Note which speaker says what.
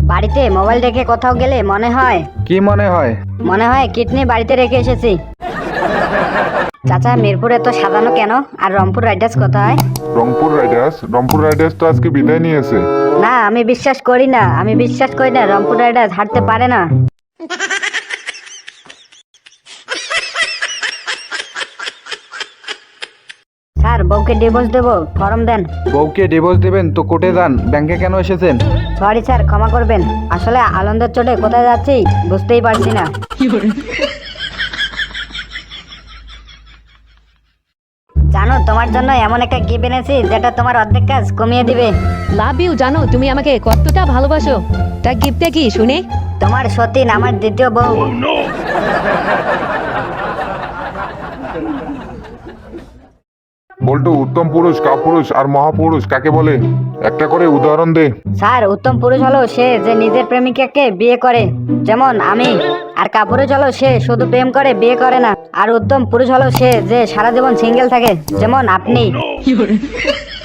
Speaker 1: বাড়িতে মোবাইল রেখে কোথাও গেলে মনে হয়
Speaker 2: কি মনে হয়?
Speaker 1: মনে হয় কিডনি বাড়িতে রেখে এসেছি। চাচা মিরপুর এত সাজানো কেন? আর রংপুর রাইডার্স কোথায়?
Speaker 3: রংপুর রাইডার্স তো আজকে বিদায় নিয়েছে।
Speaker 1: না আমি বিশ্বাস করি না, রংপুর রাইডার্স হারতে পারে না। স্যার বউকে ডিভোর্স দেবো, ফর্ম দেন।
Speaker 2: বউকে ডিভোর্স দেবেন তো কোর্টে যান, ব্যাংকে কেন এসেছেন?
Speaker 1: সরি স্যার, ক্ষমা করবেন, আসলে আনন্দের চোটে কোথায় যাচ্ছি বুঝতেই পারছি না। জানো তোমার জন্য এমন একটা গিফট এনেছি যেটা তোমার অর্ধেক কাজ কমিয়ে দিবে।
Speaker 4: Love you. জানো তুমি আমাকে কতটা ভালোবাসো। তা গিফটটা কি শুনি?
Speaker 1: তোমার সতীন, আমার দ্বিতীয় বউ।
Speaker 3: বল্টু, উত্তম পুরুষ, কাপুরুষ আর মহাপুরুষ কাকে বলে? একটা করে উদাহরণ দে।
Speaker 1: স্যার উত্তম পুরুষ হলো সে যে নিজের প্রেমিকাকে বিয়ে করে, যেমন আমি। আর কাপুরুষ হলো সে শুধু প্রেম করে, বিয়ে করে না। আর উত্তম পুরুষ হলো সে যে সারা জীবন সিঙ্গেল থাকে, যেমন আপনি।